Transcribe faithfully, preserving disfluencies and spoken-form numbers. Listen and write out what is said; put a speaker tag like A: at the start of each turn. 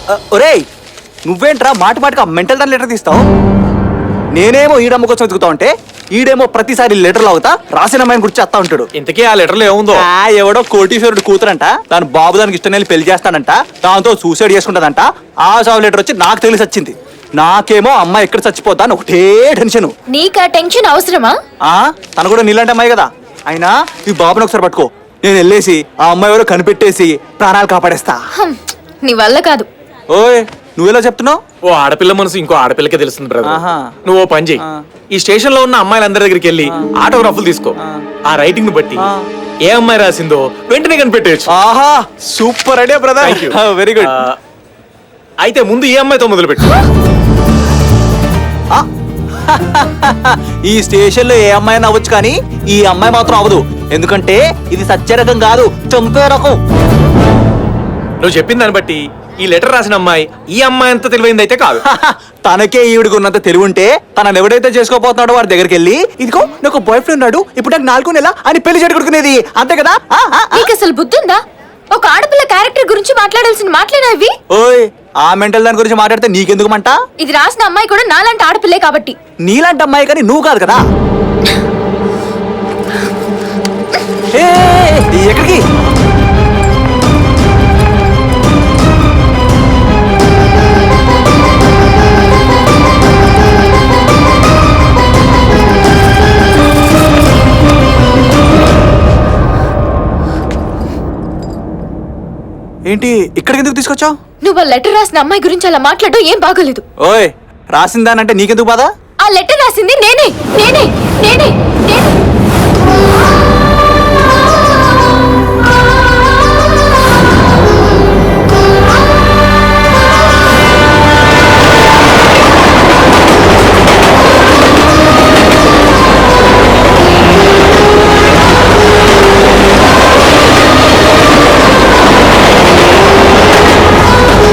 A: ఒరేయ్ నువ్వేంట్రా మాటి మాటిగా మెంటల్ దాని లెటర్ తీస్తావు? నేనేమో ఈడమ్మ కోసం వెతుకుతా ఉంటే ఈడేమో ప్రతిసారి లెటర్లు అవుతా రాసిన అమ్మాయిని గురించి చేస్తా ఉంటాడు.
B: ఇంతకీ ఆ లెటర్లో ఏముందో?
A: ఎవడో కోటీశ్వరుడు కూతురంట, దాని బాబు దానికి ఇష్టం వెళ్ళి పెళ్లి చేస్తానంట, దాంతో సూసైడ్ చేసుకుంటదంట. ఆ సాగు లెటర్ వచ్చి నాకు తెలిసి వచ్చింది. నాకేమో అమ్మాయి ఎక్కడ చచ్చిపోతా అని ఒకటే టెన్షన్.
C: నీకు ఆ టెన్షన్ అవసరమా?
A: ఆ తను కూడా నీలాంటి అమ్మాయి కదా. అయినా ఈ బాబుని ఒకసారి పట్టుకో, నేను వెళ్ళేసి ఆ అమ్మాయి ఎవరో కనిపెట్టేసి ప్రాణాలు కాపాడేస్తా.
C: నీ వల్ల కాదు.
A: ఓయ్ నువ్వెలా చెప్తున్నావు?
B: ఓ ఆడపిల్ల మనసు ఇంకో ఆడపిల్లకే తెలుస్తుంది బ్రదర్.
A: ఆహా.
B: నువ్వు ఓ పని చెయ్యి, ఈ స్టేషన్ లో ఉన్న అమ్మాయిలందరి దగ్గరికి వెళ్ళి ఆటోగ్రాఫ్లు తీసుకో. ఆ రైటింగ్ ని బట్టి ఏ అమ్మాయి రాసిందో వెంటనే కనిపెట్టేయచ్చు.
A: ఆహా super idea brother. Very good.
B: అయితే ముందు ఈ అమ్మాయితో మొదలు పెట్టు.
A: ఈ స్టేషన్ లో ఏ అమ్మాయి అవ్వచ్చు కానీ ఈ అమ్మాయి మాత్రం అవ్వదు. ఎందుకంటే ఇది సత్య రకం కాదు, చంపే రకం.
B: నువ్వు చెప్పిన దాన్ని బట్టి ఈ లెటర్ రాసిన అమ్మాయి ఈ అమ్మాయి అంత తెలివైంది అయితే కాదు.
A: తనకే ఈవిడికి ఉన్నంత తెలివి ఉంటే తనని ఎవడైతే చేసుకోపోతున్నాడో వాడి దగ్గరికి వెళ్ళి ఇదిగో నాకు బాయ్ ఫ్రెండ్ ఉన్నాడు, ఇప్పుడు నాకు నాలుగు నెల అని పెళ్లి చెడుకునేది అంతే కదా.
C: నీకు అసలు బుద్ధి ఉందా? ఒక ఆడపిల్ల క్యారెక్టర్ గురించి మాట్లాడాల్సిన మాట్లాడేవి.
A: ఓయ్ ఆ మెంటల్ దాని గురించి మాట్లాడితే నీకెందుకు మంట?
C: ఇది రాసిన అమ్మాయి కూడా నాలాంటి ఆడపిల్లే కాబట్టి.
A: నీలాంటి అమ్మాయి కానీ నువ్వు కాదు కదా. ఎక్కడికి? ఏంటి ఇక్కడికి ఎందుకు తీసుకొచ్చావు?
C: నువ్వు ఆ లెటర్ రాసిన అమ్మాయి గురించి అలా మాట్లాడడం ఏం బాగోలేదు.
A: ఓయ్ రాసిందానంటే నీకెందుకు బాధ?
C: ఆ లెటర్ రాసింది నేనే నేనే నేనే నేనే